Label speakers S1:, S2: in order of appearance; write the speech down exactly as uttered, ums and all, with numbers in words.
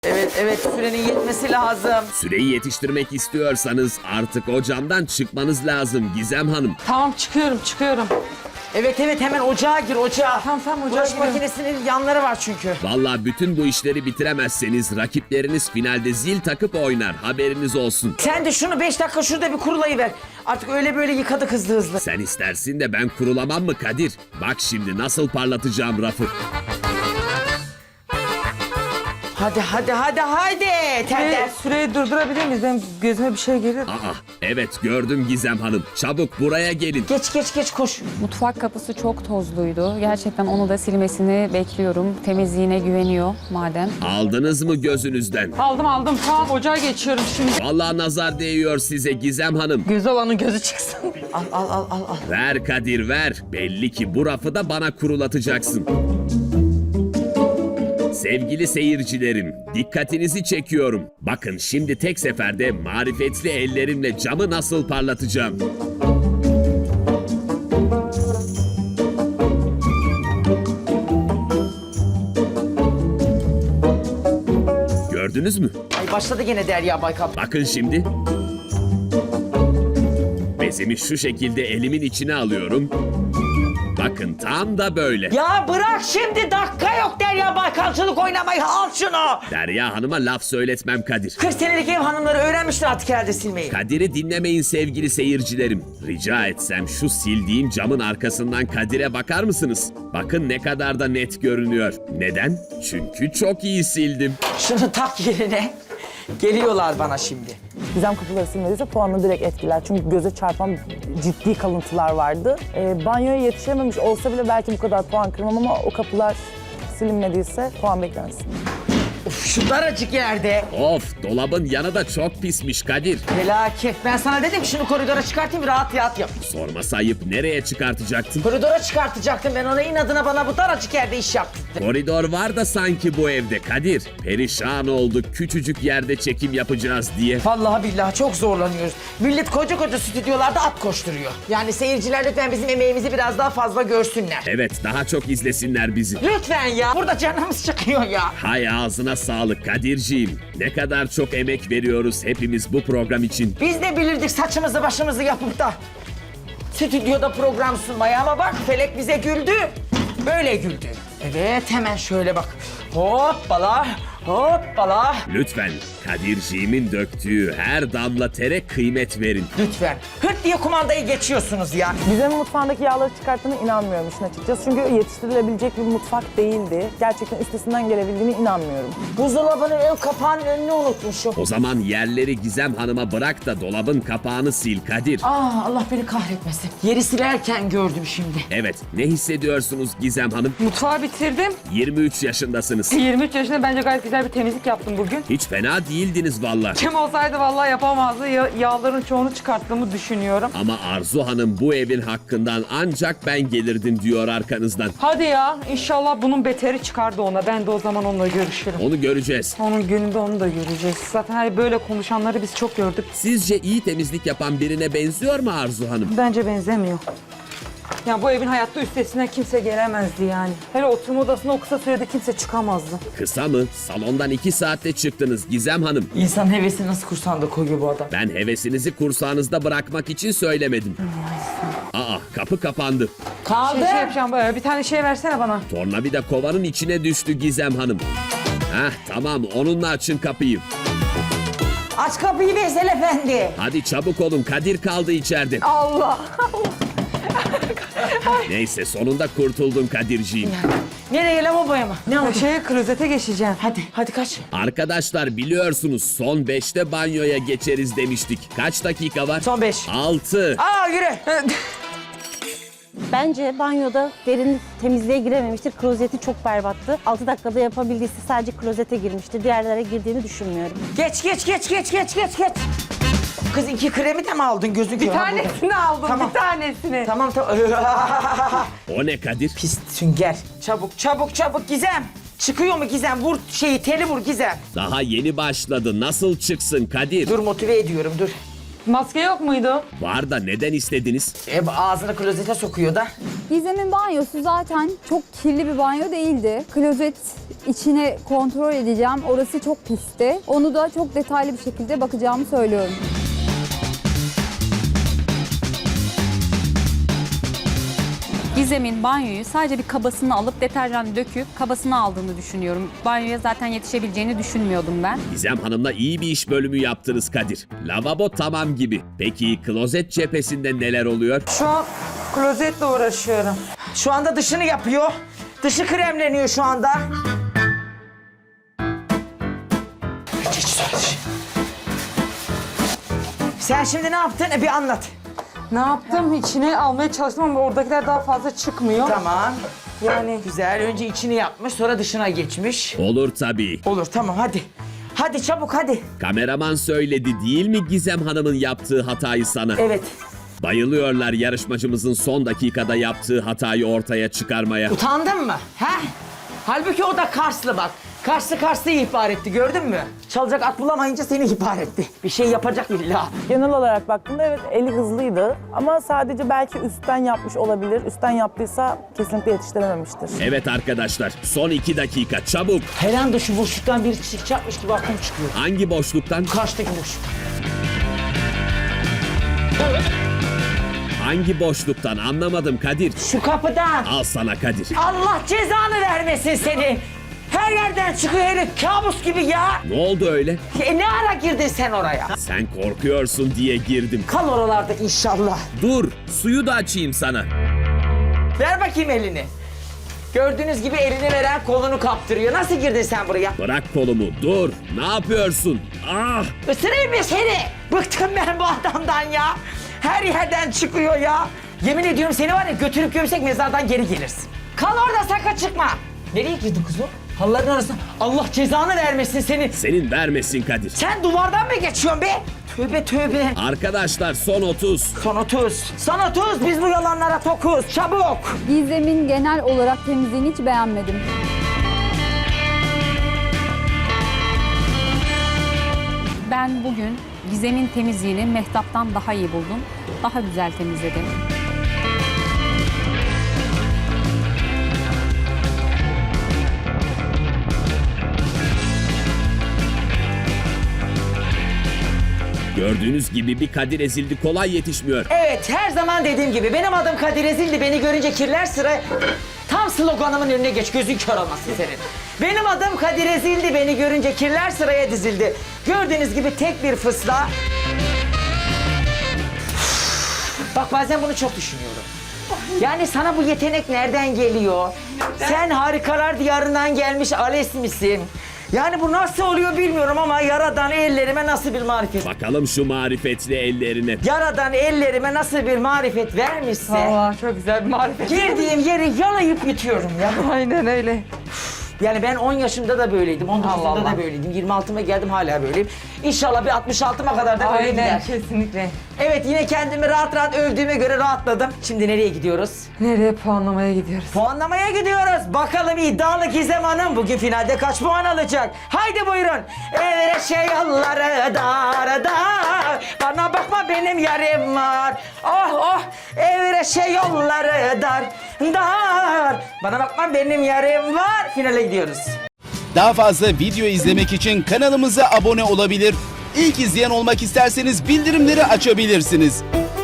S1: Evet evet sürenin yetmesi lazım.
S2: Süreyi yetiştirmek istiyorsanız artık o camdan çıkmanız lazım Gizem Hanım.
S3: Tamam çıkıyorum çıkıyorum.
S1: Evet evet hemen ocağa gir ocağa.
S3: Tamam, tamam, ocağa
S1: Bulaşık
S3: giriyorum.
S1: makinesinin yanları var çünkü.
S2: Vallahi bütün bu işleri bitiremezseniz rakipleriniz finalde zil takıp oynar, haberiniz olsun.
S1: Sen de şunu beş dakika şurada bir kurulayıver. Artık öyle böyle yıkadık hızlı hızlı.
S2: Sen istersin de ben kurulamam mı Kadir? Bak şimdi nasıl parlatacağım rafı.
S1: Hadi hadi hadi hadi. Terler.
S3: Süreyi, süreyi durdurabilir miyiz? Benim gözüme bir şey gelir.
S2: Aa, evet gördüm Gizem Hanım. Çabuk buraya gelin.
S1: Geç geç geç koş.
S4: Mutfak kapısı çok tozluydu. Gerçekten onu da silmesini bekliyorum. Temizliğine güveniyor madem.
S2: Aldınız mı gözünüzden?
S3: Aldım aldım. Tamam ocağa geçiyorum şimdi.
S2: Vallahi nazar değiyor size Gizem Hanım.
S3: Göz olanın gözü çıksın.
S1: Al al al al. al.
S2: Ver Kadir ver. Belli ki bu rafı da bana kurulatacaksın. Sevgili seyircilerim, dikkatinizi çekiyorum. Bakın şimdi tek seferde marifetli ellerimle camı nasıl parlatacağım. Gördünüz mü?
S1: Ay başladı gene Derya Baykal.
S2: Bakın şimdi. Bezimi şu şekilde elimin içine alıyorum. Bakın tam da böyle.
S1: Ya bırak şimdi dakika yok Derya Baykalcılık oynamayı al şunu.
S2: Derya Hanım'a laf söyletmem Kadir.
S1: kırk senelik ev hanımları öğrenmişler artık herhalde silmeyi.
S2: Kadir'i dinlemeyin sevgili seyircilerim. Rica etsem şu sildiğim camın arkasından Kadir'e bakar mısınız? Bakın ne kadar da net görünüyor. Neden? Çünkü çok iyi sildim.
S1: Şunu tak yerine. Geliyorlar bana şimdi.
S5: Gizem kapıları silmediyse puanını direkt etkiler. Çünkü göze çarpan ciddi kalıntılar vardı. Ee, banyoya yetişememiş olsa bile belki bu kadar puan kırmam ama o kapılar silinmediyse puan beklensin.
S1: Uf şu daracık yerde.
S2: Of, dolabın yanı da çok pismiş Kadir.
S1: Felaket. Ben sana dedim ki şunu koridora çıkartayım rahat rahat yap.
S2: Sorması ayıp, nereye çıkartacaktın?
S1: Koridora çıkartacaktım ben ona inadına bana bu daracık yerde iş yaptırdı.
S2: Koridor var da sanki bu evde Kadir. Perişan olduk küçücük yerde çekim yapacağız diye.
S1: Vallahi billahi çok zorlanıyoruz. Millet koca koca stüdyolarda at koşturuyor. Yani seyirciler lütfen bizim emeğimizi biraz daha fazla görsünler.
S2: Evet, daha çok izlesinler bizi.
S1: Lütfen ya. Burada canımız çıkıyor ya.
S2: Hay ağzına sağlık Kadirciğim. Ne kadar çok emek veriyoruz hepimiz bu program için.
S1: Biz de bilirdik saçımızı başımızı yapıp da stüdyoda program sunmayı ama bak Felek bize güldü. Böyle güldü. Evet hemen şöyle bak. Hoppala hoppala.
S2: Lütfen Kadirciğimin döktüğü her damla tere kıymet verin.
S1: Lütfen. Hırt diye kumandayı geçiyorsunuz ya.
S5: Gizem'in mutfağındaki yağları çıkarttığına inanmıyorum işin açıkçası. Çünkü yetiştirilebilecek bir mutfak değildi. Gerçekten üstesinden gelebildiğine inanmıyorum.
S1: Buzdolabının ön kapağının önünü unutmuşum.
S2: O zaman yerleri Gizem Hanım'a bırak da dolabın kapağını sil Kadir.
S1: Aa Allah beni kahretmesin. Yeri silerken gördüm şimdi.
S2: Evet, ne hissediyorsunuz Gizem Hanım?
S3: Mutfağı bitirdim.
S2: yirmi üç yaşındasınız.
S3: yirmi üç yaşında bence gayet güzel bir temizlik yaptım bugün.
S2: Hiç fena değildiniz valla.
S3: Kim olsaydı vallahi yapamazdı. Ya- yağların çoğunu çıkarttığımı düşünüyorum.
S2: Ama Arzu Hanım bu evin hakkından ancak ben gelirdim diyor arkanızdan.
S3: Hadi ya inşallah bunun beteri çıkardı ona. Ben de o zaman onunla görüşürüm.
S2: Onu göreceğiz.
S3: Onun gününde onu da göreceğiz. Zaten hani böyle konuşanları biz çok gördük.
S2: Sizce iyi temizlik yapan birine benziyor mu Arzu Hanım?
S3: Bence benzemiyor. Ya bu evin hayatta üstesinden kimse gelemezdi yani. Hele oturma odasına o kısa sürede kimse çıkamazdı.
S2: Kısa mı? Salondan iki saatte çıktınız Gizem Hanım.
S1: İnsan hevesini nasıl kursağında koyuyor bu adam?
S2: Ben hevesinizi kursağınızda bırakmak için söylemedim. Aa, kapı kapandı.
S1: Kaldı.
S3: Şey, şey yapacağım böyle bir tane şey versene bana.
S2: Tornavida kovanın içine düştü Gizem Hanım. Heh, tamam, onunla açın kapıyı.
S1: Aç kapıyı Veysel Efendi.
S2: Hadi çabuk olun, Kadir kaldı içeride.
S3: Allah!
S2: Neyse, sonunda kurtuldun Kadirciğim.
S1: Nereye lavaboya mı? Ne oldu?
S3: Şeye klozete geçeceğim.
S1: Hadi, hadi kaç.
S2: Arkadaşlar biliyorsunuz son beşte banyoya geçeriz demiştik. Kaç dakika var?
S1: Son beş.
S2: altı.
S1: Aa yürü.
S6: Bence banyoda derin temizliğe girememiştir. Klozeti çok berbattı. altı dakikada yapabildiyse sadece klozete girmiştir. Diğerlere girdiğini düşünmüyorum.
S1: Geç, geç, geç, geç, geç, geç, geç. Kız iki kremi de mi aldın gözün
S3: Bir
S1: kör ha burada?
S3: tanesini aldım,
S1: Tamam.
S3: bir tanesini.
S1: Tamam, tamam.
S2: O ne Kadir?
S1: Pis sünger. Çabuk, çabuk, çabuk Gizem. Çıkıyor mu Gizem? Vur şeyi, teli vur Gizem.
S2: Daha yeni başladı. Nasıl çıksın Kadir?
S1: Dur motive ediyorum, dur.
S3: Maske yok muydu?
S2: Var da neden istediniz?
S1: E, ağzını klozete sokuyor da.
S7: Gizem'in banyosu zaten çok kirli bir banyo değildi. Klozet içine kontrol edeceğim. Orası çok pisti. Onu da çok detaylı bir şekilde bakacağımı söylüyorum.
S4: Gizem'in banyoyu sadece bir kabasını alıp deterjan döküp kabasını aldığını düşünüyorum. Banyoya zaten yetişebileceğini düşünmüyordum ben.
S2: Gizem Hanım'la iyi bir iş bölümü yaptınız Kadir. Lavabo tamam gibi. Peki klozet cephesinde neler oluyor?
S3: Şu an klozetle uğraşıyorum.
S1: Şu anda dışını yapıyor. Dışı kremleniyor şu anda. Geç söyle. Sen şimdi ne yaptın? E, bir anlat.
S3: Ne yaptım? İçine almaya çalıştım ama oradakiler daha fazla çıkmıyor.
S1: Tamam.
S3: Yani
S1: Güzel. Önce içini yapmış, sonra dışına geçmiş.
S2: Olur tabii.
S1: Olur, tamam, hadi. Hadi çabuk, hadi.
S2: Kameraman söyledi değil mi Gizem Hanım'ın yaptığı hatayı sana?
S1: Evet.
S2: Bayılıyorlar yarışmacımızın son dakikada yaptığı hatayı ortaya çıkarmaya.
S1: Utandın mı? He? Halbuki o da Karslı bak. Karslı Karslı'yı ihbar etti, gördün mü? Çalacak at bulamayınca seni ihbar etti. Bir şey yapacak illa.
S5: Genel olarak baktığımda evet eli hızlıydı ama sadece belki üstten yapmış olabilir. Üstten yaptıysa kesinlikle yetiştirememiştir.
S2: Evet arkadaşlar, son iki dakika çabuk.
S1: Her anda şu boşluktan biri çıkacakmış gibi aklım çıkıyor.
S2: Hangi boşluktan?
S1: Karşıdaki boşluk.
S2: Hangi boşluktan anlamadım Kadir.
S1: Şu kapıdan.
S2: Al sana Kadir.
S1: Allah cezanı vermesin seni. Her yerden çıkıyor herif, kabus gibi ya.
S2: Ne oldu öyle?
S1: E ne ara girdin sen oraya?
S2: Sen korkuyorsun diye girdim.
S1: Kal oralarda inşallah.
S2: Dur, suyu da açayım sana.
S1: Ver bakayım elini. Gördüğünüz gibi elini veren kolunu kaptırıyor. Nasıl girdin sen buraya?
S2: Bırak kolumu, dur. Ne yapıyorsun? Ah!
S1: Isırayım mı seni? Bıktım ben bu adamdan ya. Her yerden çıkıyor ya. Yemin ediyorum seni var ya götürüp gömsek mezardan geri gelirsin. Kal orada, sakın çıkma. Nereye girdin kız o? Halıların arasına. Allah cezanı vermesin seni.
S2: Senin vermesin Kadir.
S1: Sen duvardan mı geçiyorsun be? Tövbe tövbe.
S2: Arkadaşlar son otuz.
S1: Son otuz. Son otuz. Biz bu yalanlara tokuz. Çabuk.
S7: Gizem'in genel olarak temizliğini hiç beğenmedim.
S4: Ben bugün Gizem'in temizliğini Mehtap'tan daha iyi buldum. Daha güzel temizledi.
S2: Gördüğünüz gibi bir Kadir ezildi, kolay yetişmiyor.
S1: Evet, her zaman dediğim gibi benim adım Kadir Ezildi. Beni görünce kirler sıra. Tam sloganımın önüne geç, gözün kör olmasın senin. Benim adım Kadir Ezildi. Beni görünce kirler sıraya dizildi. Gördüğünüz gibi tek bir fısla. Bak bazen bunu çok düşünüyorum. Yani sana bu yetenek nereden geliyor? Sen harikalar diyarından gelmiş Ales misin? Yani bu nasıl oluyor bilmiyorum ama Yaradan ellerime nasıl bir marifet.
S2: Bakalım şu marifetli ellerine.
S1: Yaradan ellerime nasıl bir marifet vermişse.
S3: vallahi çok güzel bir marifet.
S1: Girdiğim yeri yalayıp yutuyorum ya.
S3: Aynen öyle.
S1: Yani ben on yaşımda da böyleydim, on dokuzumda
S3: Allah Allah.
S1: da böyleydim, yirmi altıma geldim hala böyleyim. İnşallah bir altmış altıma kadar da böyle
S3: Aynen,
S1: gider.
S3: kesinlikle.
S1: Evet, yine kendimi rahat rahat övdüğüme göre rahatladım. Şimdi nereye gidiyoruz?
S3: Nereye puanlamaya gidiyoruz?
S1: Puanlamaya gidiyoruz. Bakalım iddialı Gizem Hanım bugün finalde kaç puan alacak? Haydi buyurun. Evet şey yolları dar dar. Bana bakma benim yarim var. Oh oh. Evet şey yolları dar dar. Bana bakma benim yarim var. Finale gidiyoruz.
S8: Daha fazla video izlemek için kanalımıza abone olabilir. İlk izleyen olmak isterseniz bildirimleri açabilirsiniz.